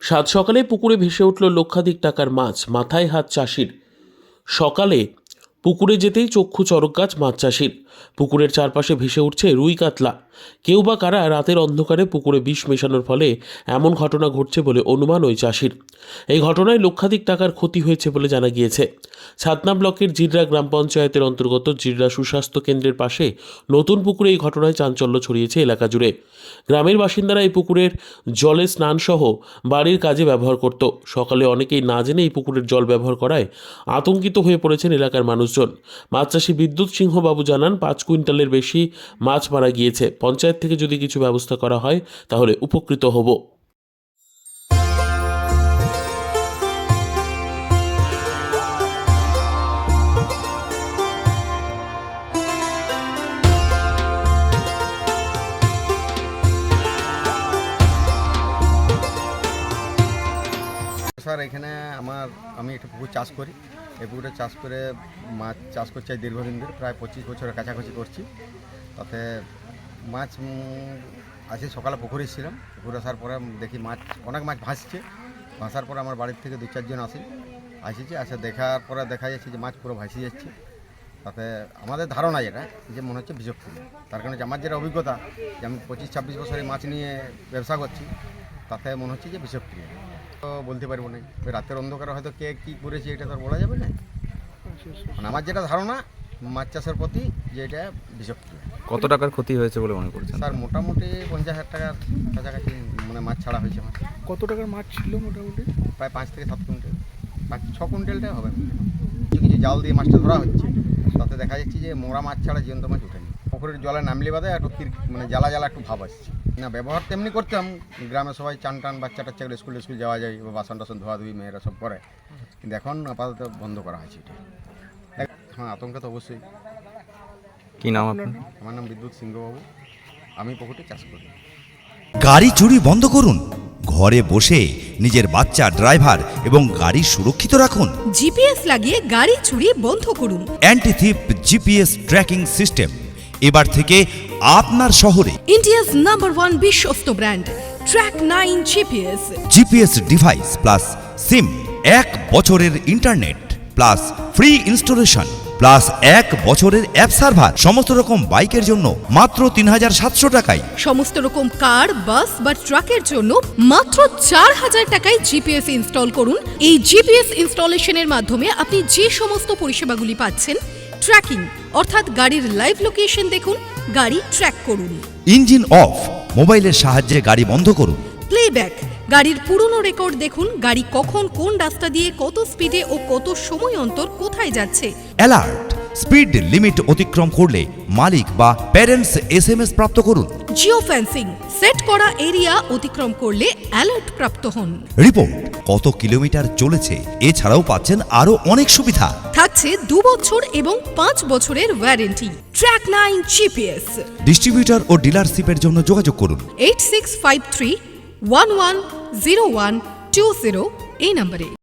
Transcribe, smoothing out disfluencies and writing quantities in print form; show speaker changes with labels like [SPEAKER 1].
[SPEAKER 1] সাত সকালে পুকুরে ভেসে উঠল লক্ষাধিক টাকার মাছ, মাথায় হাত চাষির। সকালে পুকুরে যেতেই চক্ষু চড়ক গাছ মাছ চাষির। পুকুরের চারপাশে ভেসে উঠছে রুই কাতলা। কেউ বা কারা রাতের অন্ধকারে পুকুরে বিষ মেশানোর ফলে এমন ঘটনা ঘটছে বলে অনুমান ওই চাষির। এই ঘটনায় লক্ষাধিক টাকার ক্ষতি হয়েছে বলে জানা গিয়েছে। ছাতনা ব্লকের জিররা গ্রাম পঞ্চায়েতের অন্তর্গত জিররা সুস্বাস্থ্য কেন্দ্রের পাশে নতুন পুকুরে এই ঘটনায় চাঞ্চল্য ছড়িয়েছে এলাকা জুড়ে। গ্রামের বাসিন্দারা এই পুকুরের জলে স্নানসহ বাড়ির কাজে ব্যবহার করত। সকালে অনেকেই না জেনে এই পুকুরের জল ব্যবহার করায় আতঙ্কিত হয়ে পড়েছেন এলাকার মানুষজন। মাছ চাষি বিদ্যুৎ সিংহ বাবু জানান, 5 কুইন্টালের বেশি মাছ মারা গিয়েছে। পঞ্চায়েত থেকে যদি কিছু ব্যবস্থা করা হয় তাহলে উপকৃত হব।
[SPEAKER 2] স্যার, এখানে আমি একটা পুকুর চাষ করি। এই পুকুরে চাষ করে মাছ চাষ করছি দীর্ঘদিন ধরে, প্রায় 25 বছরের কাছাকাছি করছি। তাতে মাছ আজকে সকালে পুকুরে ছিলাম। পুকুরে আসার পরে দেখি অনেক মাছ ভাসার পরে আমার বাড়ির থেকে 2-4 জন আসে দেখার পরে দেখা যাচ্ছে যে মাছ পুরো ভাসিয়ে যাচ্ছে। তাতে আমাদের ধারণা যেটা যে মনে হচ্ছে বিষাক্ত। তার কারণে আমার যেটা অভিজ্ঞতা, যে আমি 25-26 বছরে মাছ নিয়ে ব্যবসা করছি, তাতে মনে হচ্ছে যে বিষাক্ত। তো বলতে পারবো না, রাতের অন্ধকারে হয়তো কে কী করেছে এটা তো আর বলা যাবে না। মানে আমার যেটা ধারণা মাছ চাষের প্রতি, যে এটা বিষাক্ত।
[SPEAKER 3] কত টাকার ক্ষতি হয়েছে বলে মনে করছেন?
[SPEAKER 2] স্যার, মোটামুটি 50,000 টাকার কাছাকাছি মানে মাছ ছাড়া হয়েছে। আমার
[SPEAKER 4] কত টাকার মাছ ছিল মোটামুটি?
[SPEAKER 2] প্রায় 5 থেকে 7 কুইন্টাল, 5-6 কুইন্টালটাই হবে। কিছু জাল দিয়ে মাছটা ধরা হচ্ছে, তাতে দেখা যাচ্ছে যে মোরা মাছ ছাড়া জীবন্ত মাছ ওঠেনি। পুকুরের জলে নামলে বাদে একটু মানে জ্বালা একটু ভাব আসছে না। ব্যবহার তেমনি করতাম, গ্রামে সবাই চান বাচ্চা টাচ্চা স্কুল যাওয়া যায়, বাসন টাসন ধোয়াধুয়ি মেয়েরা সব করে, কিন্তু এখন আপাতত বন্ধ করা হয়েছে এটা। হ্যাঁ, আতঙ্ক তো অবশ্যই।
[SPEAKER 3] কি নাম আপনার?
[SPEAKER 2] আমার নাম বিদ্যুৎ সিংহ বাবু, আমি পুকুরটি চাষ করি।
[SPEAKER 5] গাড়ি চুরি বন্ধ করুন। ঘরে বসে নিজের বাচ্চা, ড্রাইভার এবং গাড়ি সুরক্ষিত রাখুন।
[SPEAKER 6] জিপিএস লাগিয়ে গাড়ি চুরি বন্ধ করুন।
[SPEAKER 5] Anti thief GPS tracking system এবার থেকে আপনার শহরে।
[SPEAKER 6] ইন্ডিয়াস নাম্বার 1 বিশ্বস্ত ব্র্যান্ড ট্র্যাক9 GPS.
[SPEAKER 5] GPS device plus SIM, 1 বছরের internet plus free installation plus 1 বছরের অ্যাপ সার্ভার। সমস্ত রকম বাইকের জন্য মাত্র 3700 টাকায়।
[SPEAKER 6] সমস্ত রকম কার, বাস বা ট্রাকের জন্য মাত্র 4000 টাকায় জিপিএস ইনস্টল করুন। এই জিপিএস ইনস্টলেশনের মাধ্যমে আপনি যে সমস্ত পরিষেবাগুলি পাচ্ছেন, ট্র্যাকিং অর্থাৎ গাড়ির লাইভ লোকেশন দেখুন, গাড়ি ট্র্যাক করুন।
[SPEAKER 5] ইঞ্জিন অফ, মোবাইলের সাহায্যে গাড়ি বন্ধ করুন।
[SPEAKER 6] প্লেব্যাক, গাড়ির পুরনো রেকর্ড দেখুন, গাড়ি কখন কোন রাস্তা দিয়ে কত স্পিডে ও কত সময় অন্তর কোথায় যাচ্ছে।
[SPEAKER 5] অ্যালার্ট, স্পিড লিমিট অতিক্রম করলে মালিক বা প্যারেন্টস SMS প্রাপ্ত করুন।
[SPEAKER 6] জিও ফেন্সিং, সেট করা এরিয়া অতিক্রম করলে অ্যালার্ট প্রাপ্ত হন।
[SPEAKER 5] রিপোর্ট, কত কিলোমিটার চলেছে। এছাড়াও পাচ্ছেন আরো অনেক সুবিধা।
[SPEAKER 6] থাকছে 2 বছর এবং 5 বছরের ওয়ারেন্টি। ট্র্যাক9 জিপিএস।
[SPEAKER 5] ডিস্ট্রিবিউটর ও ডিলারশিপের জন্য যোগাযোগ করুন
[SPEAKER 6] 8653 110120 এই নম্বরে।